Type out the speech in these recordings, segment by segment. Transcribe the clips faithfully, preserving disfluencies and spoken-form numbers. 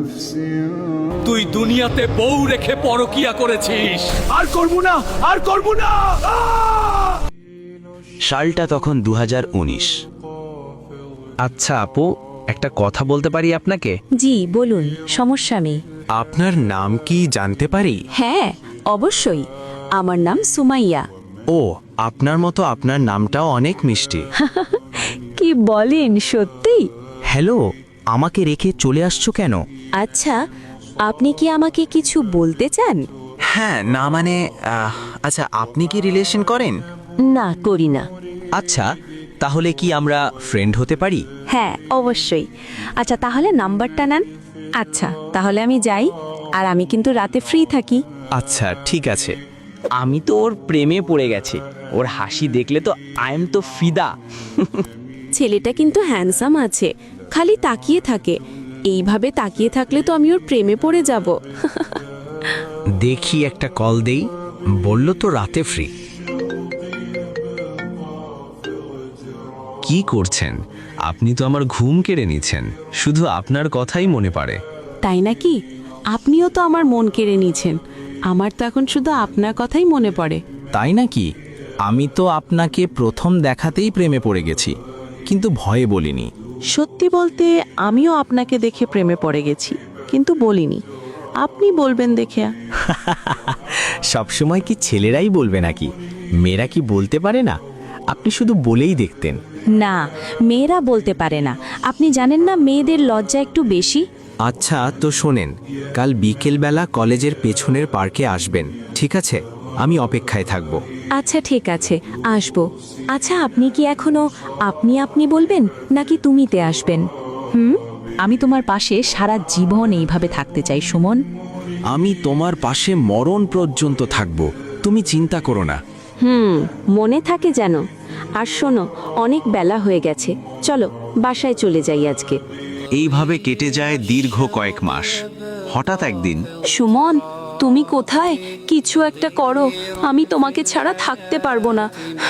তুই দুনিয়াতে বউ রেখে পরকিয়া করেছিস। আর করব না, আর করব না। সালটা তখন দু হাজার উনিশ। আচ্ছা আপু, একটা কথা বলতে পারি আপনাকে? জি বলুন, সমস্যা নেই। আপনার নাম কি জানতে পারি? হ্যাঁ অবশ্যই, আমার নাম সুমাইয়া। ও, আপনার মতো আপনার নামটাও অনেক মিষ্টি। কি বলেন, সত্যি? হ্যালো, আমাকে রেখে চলে আসছো কেন? আচ্ছা, আপনি কি আমাকে কিছু বলতে চান? হ্যাঁ, না মানে আহ, আচ্ছা, আপনি কি রিলেশন করেন? না, করি না। আচ্ছা, তাহলে কি আমরা ফ্রেন্ড হতে পারি? হ্যাঁ অবশ্যই। আচ্ছা তাহলে নাম্বারটা নেন। আচ্ছা তাহলে আমি যাই, আর আমি কিন্তু রাতে ফ্রি থাকি। আচ্ছা ঠিক আছে। আমি তো ওর প্রেমে পড়ে গেছি। ওর হাসি দেখলে তো আই এম তো ফিদা। ছেলেটা কিন্তু হ্যান্ডসাম আছে, খালি তাকিয়ে থাকে। এইভাবে তাকিয়ে থাকলে তো আমি ওর প্রেমে পড়ে যাব। দেখি একটা কল দেই, বলল তো রাতে ফ্রি। কি করছেন? আপনি তো আমার ঘুম কেড়ে নিচ্ছেন, শুধু আপনার কথাই মনে পড়ে। তাই নাকি? আপনিও তো আমার মন কেড়ে নিয়েছেন। আমার তো এখন শুধু আপনার কথাই মনে পড়ে। তাই নাকি? আমি তো আপনাকে প্রথম দেখাতেই প্রেমে পড়ে গেছি, কিন্তু ভয়ে বলিনি। সত্যি বলতে আমিও আপনাকে দেখে প্রেমে পড়ে গেছি, কিন্তু বলিনি। আপনি বলবেন দেখে। সবসময় কি ছেলেরাই বলবে নাকি? মেয়েরা কি বলতে পারে না? আপনি শুধু বলেই দেখতেন। না, মেয়েরা বলতে পারে না। আপনি জানেন না মেয়েদের লজ্জা একটু বেশি। আচ্ছা তো শোনেন, কাল বিকেলবেলা কলেজের পেছনের পার্কে আসবেন, ঠিক আছে? আমি অপেক্ষায় থাকব। আচ্ছা ঠিক আছে, আসবো। আচ্ছা আপনি কি এখনো আপনি আপনি বলবেন নাকি তুমিতে আসবেন? হুম, আমি তোমার পাশে সারা জীবন এইভাবে থাকতে চাই সুমন। আমি তোমার পাশে মরণ পর্যন্ত থাকব, তুমি চিন্তা করো না। হুম, মনে থাকে যেন। আর শোনো, অনেক বেলা হয়ে গেছে, চলো বাসায় চলে যাই আজকে। এইভাবে কেটে যায় দীর্ঘ কয়েক মাস। হঠাৎ একদিন, সুমন, তুমি কোথায়? কিছু একটা করো, আমি তোমাকে ছাড়া থাকতে পারবো না।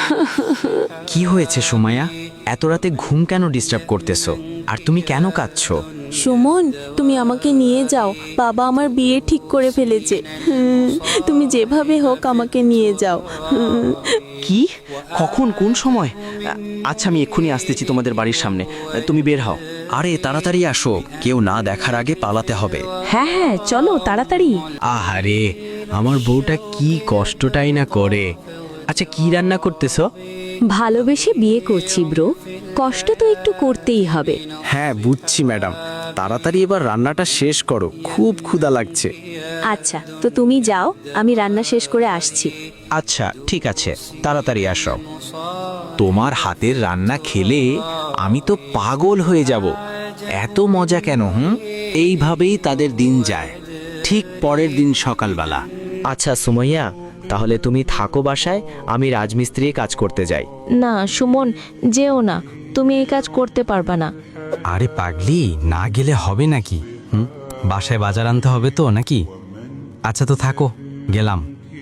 কি হয়েছে সুমাইয়া? এত রাতে ঘুম কেন ডিস্টার্ব করতেছো? আর তুমি কেন কাঁদছো? সুমন, তুমি আমাকে নিয়ে যাও। বাবা আমার বিয়ে ঠিক করে ফেলেছে। হুম, তুমি যেভাবে হোক আমাকে নিয়ে যাও। হুম। কি? কখন, কোন সময়? আচ্ছা আমি এক্ষুনি আসতেছি তোমাদের বাড়ির সামনে, তুমি বের হও। আরে তাড়াতাড়ি আসো, কেউ না দেখার আগে পালাতে হবে। হ্যাঁ হ্যাঁ চলো তাড়াতাড়ি। আহারে, আমার বউটা কি কষ্টটাই না করে। আচ্ছা, কি রান্না করতেছো? ভালোবেসে বিয়ে করছি ব্রো, কষ্ট তো একটু করতেই হবে। হ্যাঁ বুঝছি ম্যাডাম, তাড়াতাড়ি এবার রান্নাটা শেষ করো, খুব ক্ষুধা লাগছে। আচ্ছা তো তুমি যাও, আমি রান্না শেষ করে আসছি। আচ্ছা ঠিক আছে, তাড়াতাড়ি আসো। তোমার হাতের রান্না খেলে আমি তো পাগল হয়ে যাব। এত মজা কেন? হুম, এইভাবেই তাদের দিন যায়। ঠিক পরের দিন সকালবেলা। আচ্ছা সুমাইয়া, তাহলে তুমি থাকো বাসায়, আমি রাজমিস্ত্রি কাজ করতে যাই। না সুমন, যেও না, তুমি এই কাজ করতে পারবা না। আরে পাগলি, না গেলে হবে নাকি? হুম, বাসায় বাজার আনতে হবে তো নাকি? আচ্ছা তো থাকো, গেলাম।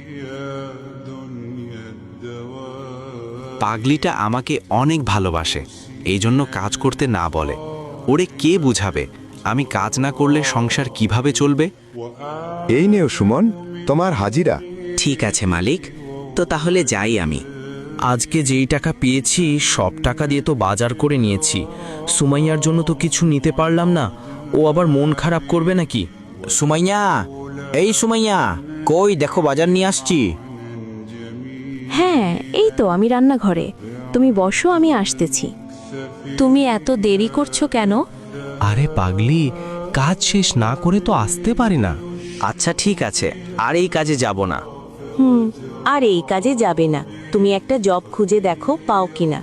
পাগলিটা আমাকে অনেক ভালোবাসে, এই জন্য কাজ করতে না বলে। ওরে কে বুঝাবে আমি কাজ না করলে সংসার কিভাবে চলবে? এই নেও সুমন, তোমার হাজিরা। ঠিক আছে মালিক, তো তাহলে যাই আমি। আজকে যেই টাকা পেয়েছি সব টাকা দিয়ে তো বাজার করে নিয়েছি। সুমাইয়ার জন্য তো কিছু নিতে পারলাম না, ও আবার মন খারাপ করবে নাকি? সুমাইয়া, এই সুমাইয়া, কই দেখো বাজার নিয়ে আসছি। হ্যাঁ এই তো আমি রান্নাঘরে, তুমি বসো, আমি আসতেছি। তুমি এত দেরি করছো কেন? আরে পাগলি, কাজ শেষ না করে তো আসতে পারে না। আচ্ছা ঠিক আছে, আর এই কাজে যাব না। হুম, আর এই কাজে যাবে না। তুমি একটা জব খুঁজে দেখো, পাও কিনা।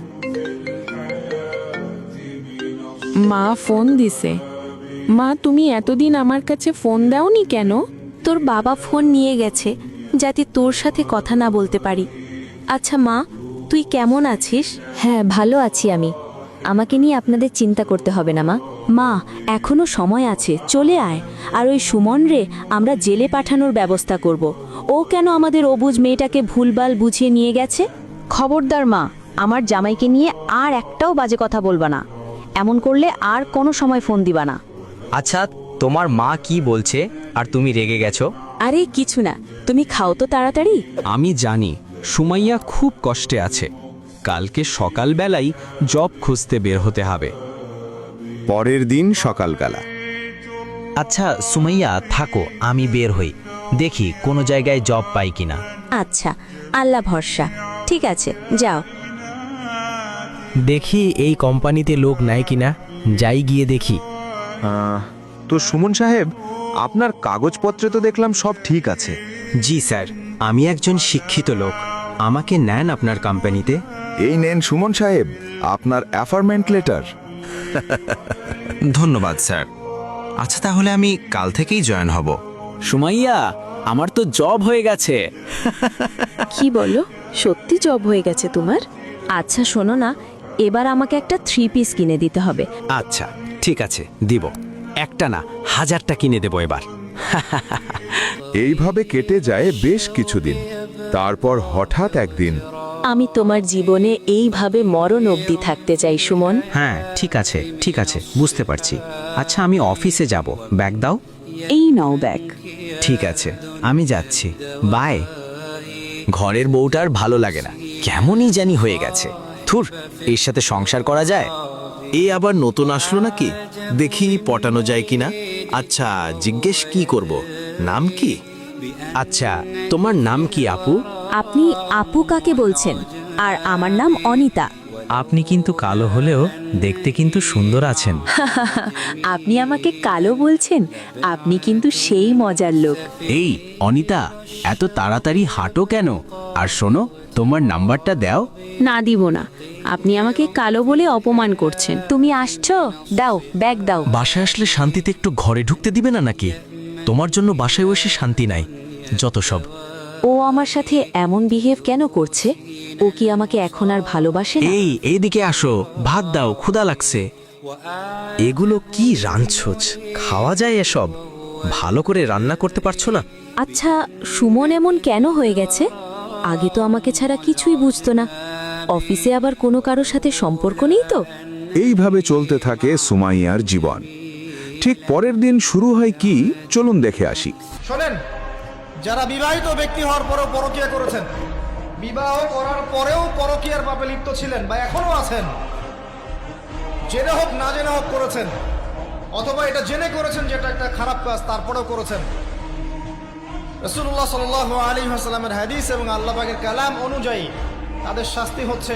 মা ফোন দিছে। মা, তুমি এতদিন আমার কাছে ফোন দাওনি কেন? তোর বাবা ফোন নিয়ে গেছে, যাতে তোর সাথে কথা না বলতে পারি। আচ্ছা মা, তুই কেমন আছিস? হ্যাঁ ভালো আছি আমি, আমাকে নিয়ে আপনাদের চিন্তা করতে হবে না মা। মা এখনো সময় আছে, চলে আয়। আর ওই সুমন রে আমরা জেলে পাঠানোর ব্যবস্থা করব। ও কেন আমাদের অবুঝ মেয়েটাকে ভুলভাল বুঝিয়ে নিয়ে গেছে? খবরদার মা, আমার জামাইকে নিয়ে আর একটাও বাজে কথা বলবা না। এমন করলে আর কোনো সময় ফোন দিবা না। আচ্ছা তোমার মা কি বলছে আর তুমি রেগে গেছো? আরে কিছু না, তুমি খাও তো তাড়াতাড়ি। আমি জানি সুমাইয়া খুব কষ্টে আছে। কালকে সকালবেলাই জব খুঁজতে বের হতে হবে। পরের দিন সকালবেলা আচ্ছা সুমাইয়া থাকো, আমি বের হই, দেখি কোনো জায়গায় জব পাই কিনা। আচ্ছা, আল্লাহ ভরসা। ঠিক আছে, যাও। দেখি এই কোম্পানিতে লোক নেয় কিনা, যাই গিয়ে দেখি। আহ, তো সুমন সাহেব, আপনার কাগজপত্রে তো দেখলাম সব ঠিক আছে। জি স্যার, আমি একজন শিক্ষিত লোক। আমাকে নেন আপনার কোম্পানিতে। এই নেন সুমন সাহেব আপনার অ্যাফারমেন্ট লেটার। ধন্যবাদ স্যার। আচ্ছা, তাহলে আমি কাল থেকেই জয়েন হব। সুমাইয়া, আমার তো জব হয়ে গেছে। কি বলো, সত্যি জব হয়ে গেছে তোমার? আচ্ছা শোনো না, এবার আমাকে একটা থ্রি পিস কিনে দিতে হবে। আচ্ছা ঠিক আছে, দিব। একটা না, হাজারটা কিনে দেব এবার। এইভাবে কেটে যায় বেশ কিছুদিন। তারপর হঠাৎ একদিন আমি তোমার জীবনে এইভাবে মরণ অবধি থাকতে চাই সুমন। হ্যাঁ ঠিক আছে, ঠিক আছে, বুঝতে পারছি। আচ্ছা, আমি অফিসে যাব, ব্যাগ দাও। এই নাও ব্যাগ। ঠিক আছে, আমি যাচ্ছি, বাই। ঘরের বউটার ভালো লাগে না, কেমনই জানি হয়ে গেছে। থুর, এর সাথে সংসার করা যায়? এ আবার নতুন আসলো নাকি? দেখি পটানো যায় কিনা। আচ্ছা, জিজ্ঞেস কি করব, নাম কি? আচ্ছা, তোমার নাম কি আপু? আপনি আপু কাকে বলছেন? আর আমার নাম অনিতা। আপনি কিন্তু কালো হলেও দেখতে কিন্তু সুন্দর আছেন। আপনি আমাকে কালো বলছেন? আপনি কিন্তু সেই মজার লোক। এই অনিতা, এত তাড়াতাড়ি হাঁটো কেন? আর শোনো, তোমার নাম্বারটা দাও। না, দিব না। আপনি আমাকে কালো বলে অপমান করছেন। তুমি আসছো? দাও, ব্যাগ দাও। বাসায় আসলে শান্তিতে একটু ঘরে ঢুকতে দিবে না নাকি? তোমার জন্য বাসায় বসে শান্তি নাই, যত সব। ও আমার সাথে এমন বিহেভ কেন করছে? ও কি আমাকে এখন আর ভালোবাসে না? এই এইদিকে আসো, ভাত দাও, ক্ষুধা লাগছে। এগুলো কি রাঁধছোছ? খাওয়া যায় এসব? ভালো করে রান্না করতে পারছো না? আচ্ছা, সুমন এমন কেন হয়ে গেছে? আগে তো আমাকে ছাড়া কিছুই বুঝতো না। অফিসে আবার কোনো কারোর সাথে সম্পর্ক নেই তো? এইভাবে চলতে থাকে সুমাইয়ার জীবন। ঠিক পরের দিন শুরু হয় কি, চলুন দেখে আসি। শোনেন, যারা বিবাহিত ব্যক্তি হওয়ার পরেও পরকীয়া করেছেন, বিবাহ করার পরেও পরকীয়ার পাপে লিপ্ত ছিলেন বা এখনো আছেন, জেনে হোক না জেনে হোক করেছেন, অথবা এটা জেনে করেছেন যেটা একটা খারাপ কাজ তারপরেও করেছেন, রাসূলুল্লাহ সাল্লাল্লাহু আলাইহি ওয়াসাল্লামের হাদিস এবং আল্লাহ পাকের কালাম অনুযায়ী তাদের শাস্তি হচ্ছে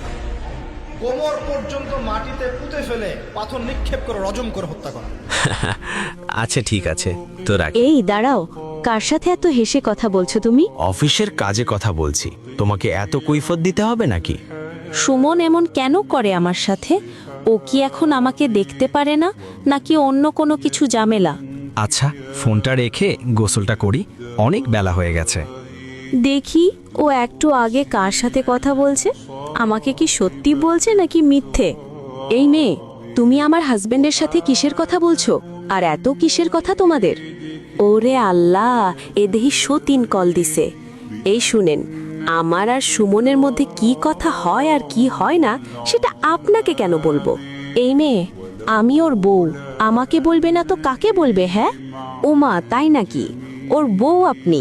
কোমর পর্যন্ত মাটিতে পুঁতে ফেলে পাথর নিক্ষেপ করে রজম করে হত্যা করা। আচ্ছা ঠিক আছে, তো রাখ। এই দাঁড়াও, কার সাথে এত হেসে কথা বলছো তুমি? অফিসের কাজে কথা বলছি, তোমাকে এত কৈফত দিতে হবে নাকি? সুমন এমন কেন করে আমার সাথে? ও কি এখন আমাকে দেখতে পারে না, নাকি অন্য কোনো কিছু ঝামেলা? আচ্ছা, ফোনটা রেখে গোসলটা করি, অনেক বেলা হয়ে গেছে। দেখি ও একটু আগে কার সাথে কথা বলছে। আমাকে কি সত্যি বলছে নাকি মিথ্যে? এই মেয়ে, তুমি আমার হাজবেন্ডের সাথে কিসের কথা বলছো? আর এত কিসের কথা তোমাদের? ওরে আল্লাহ, এ দেহি সতীন কল দিছে। এই শুনেন, আমার আর সুমনের মধ্যে কি কথা হয় আর কি হয় না সেটা আপনাকে কেন বলবো? এই মেয়ে, আমি ওর বউ, আমাকে বলবে না তো কাকে বলবে? হ্যাঁ ওমা, তাই নাকি? ওর বউ আপনি?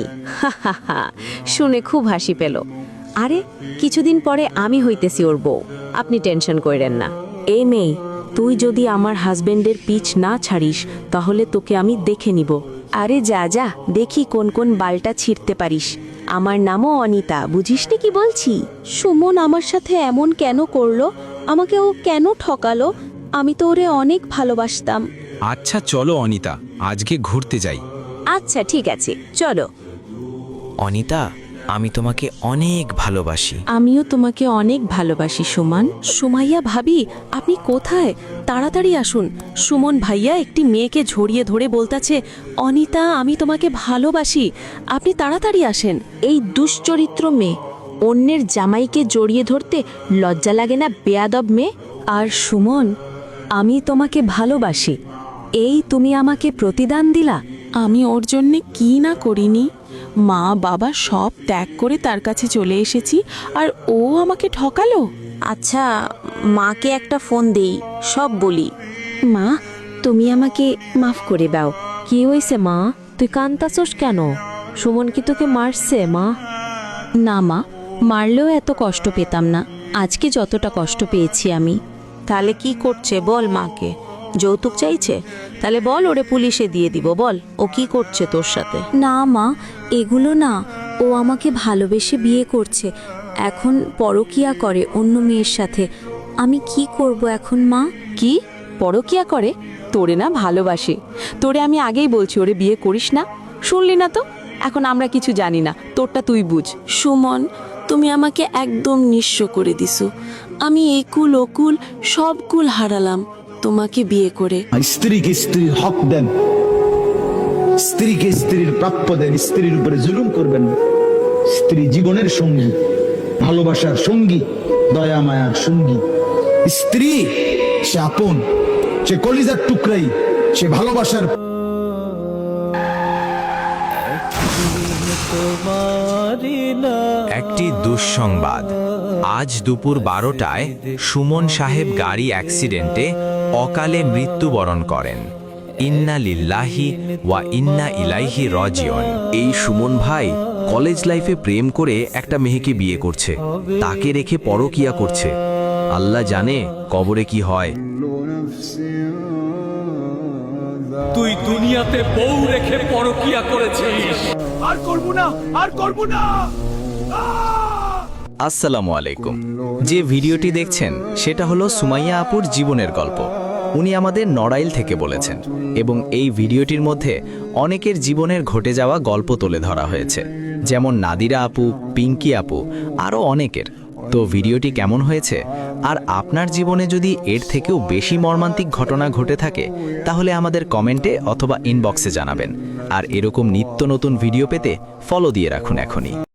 শুনে খুব হাসি পেল। আরে কিছুদিন পরে আমি হইতেছি ওর বউ, আপনি টেনশন কইরেন না। এই মেয়ে, তুই যদি আমার হাজবেন্ডের পিছ না ছাড়িস তাহলে তোকে আমি দেখে নিব। আরে যা যা, দেখি কোন কোন বালটা ছিঁড়তে পারিস। আমার নামও অনিতা, বুঝিসনি কি বলছি? সুমন আমার সাথে এমন কেন করলো? আমাকে ও কেন ঠকালো? আমি তো ওরে অনেক ভালোবাসতাম। আচ্ছা চলো অনিতা, আজকে ঘুরতে যাই। আচ্ছা ঠিক আছে, চলো। অনিতা, আমি তোমাকে অনেক ভালোবাসি। আমিও তোমাকে অনেক ভালোবাসি সুমন। সুমাইয়া ভাবি, আপনি কোথায়? তাড়াতাড়ি আসুন। সুমন ভাইয়া একটি মেয়েকে ঝরিয়ে ধরে বলতাছে, অনিতা আমি তোমাকে ভালোবাসি, আপনি তাড়াতাড়ি আসেন। এই দুশ্চরিত্র মেয়ে, অন্যের জামাইকে জড়িয়ে ধরতে লজ্জা লাগে না বেয়াদব মেয়ে? আর সুমন, আমি তোমাকে ভালোবাসি, এই তুমি আমাকে প্রতিদান দিলা? আমি ওর জন্যে কি না করিনি। মা বাবা সব ত্যাগ করে তার কাছে চলে এসেছি, আর ও আমাকে ঠকালো। আচ্ছা, মাকে একটা ফোন দেই, সব বলি। মা, তুমি আমাকে মাফ করে দাও। কি হয়েছে মা, তুই কান্তাছোস কেন? সুমন কি তোকে মারছে মা? না মা, মারলেও এত কষ্ট পেতাম না, আজকে যতটা কষ্ট পেয়েছি আমি। তাহলে কি করছে বল মাকে? যৌতুক চাইছে? তাহলে বল ওরে পুলিশে দিয়ে দিব, বল ও কি করছে তোর সাথে। না মা, এগুলো না, ও আমাকে ভালোবেসে বিয়ে করছে, এখন পরকিয়া করে অন্য মেয়ের সাথে। আমি কি করব এখন মা? কি পরকিয়া করে? তোরে না ভালোবাসে, তোরে আমি আগেই বলছি ওরে বিয়ে করিস না, শুনলি না তো? এখন আমরা কিছু জানি না, তোরটা তুই বুঝ। সুমন, তুমি আমাকে একদম নিঃস্ব করে দিছো। আমি এই কুল অকুল সব কুল হারালাম তোমাকে বিয়ে করে। স্ত্রীকে স্ত্রীর হক দেন, স্ত্রীকে স্ত্রীর প্রাপ্য দেন, স্ত্রীর উপরে জুলুম করবেন না। স্ত্রী জীবনের সঙ্গী, ভালোবাসার সঙ্গী, দয়া মায়ার সঙ্গী। স্ত্রী সে আপন, সে কলিজার টুকরাই, সে ভালোবাসার। একটি দুঃসংবাদ। আজ দুপুর বারোটায় সুমন সাহেব গাড়ি অ্যাক্সিডেন্টে অকালে মৃত্যুবরণ করেন। ইন্না লিল্লাহি ওয়া ইন্না ইলাইহি রাজিউন। এই সুমন ভাই কলেজ লাইফে প্রেম করে একটা মেয়েকে বিয়ে করছে, তাকে রেখে পরকিয়া করছে। আল্লাহ জানে কবরে কি হয়। তুই দুনিয়াতে বউ রেখে পরকিয়া করেছিস। আর করব না, আর করব না। আসসালামু আলাইকুম। যে ভিডিওটি দেখছেন সেটা হলো সুমাইয়া আপুর জীবনের গল্প। উনি আমাদের নড়াইল থেকে বলেছেন এবং এই ভিডিওটির মধ্যে অনেকের জীবনের ঘটে যাওয়া গল্প তুলে ধরা হয়েছে, যেমন নাদিরা আপু, পিঙ্কি আপু, আরও অনেকের। তো ভিডিওটি কেমন হয়েছে আর আপনার জীবনে যদি এর থেকেও বেশি মর্মান্তিক ঘটনা ঘটে থাকে তাহলে আমাদের কমেন্টে অথবা ইনবক্সে জানাবেন। আর এরকম নিত্য নতুন ভিডিও পেতে ফলো দিয়ে রাখুন এখনই।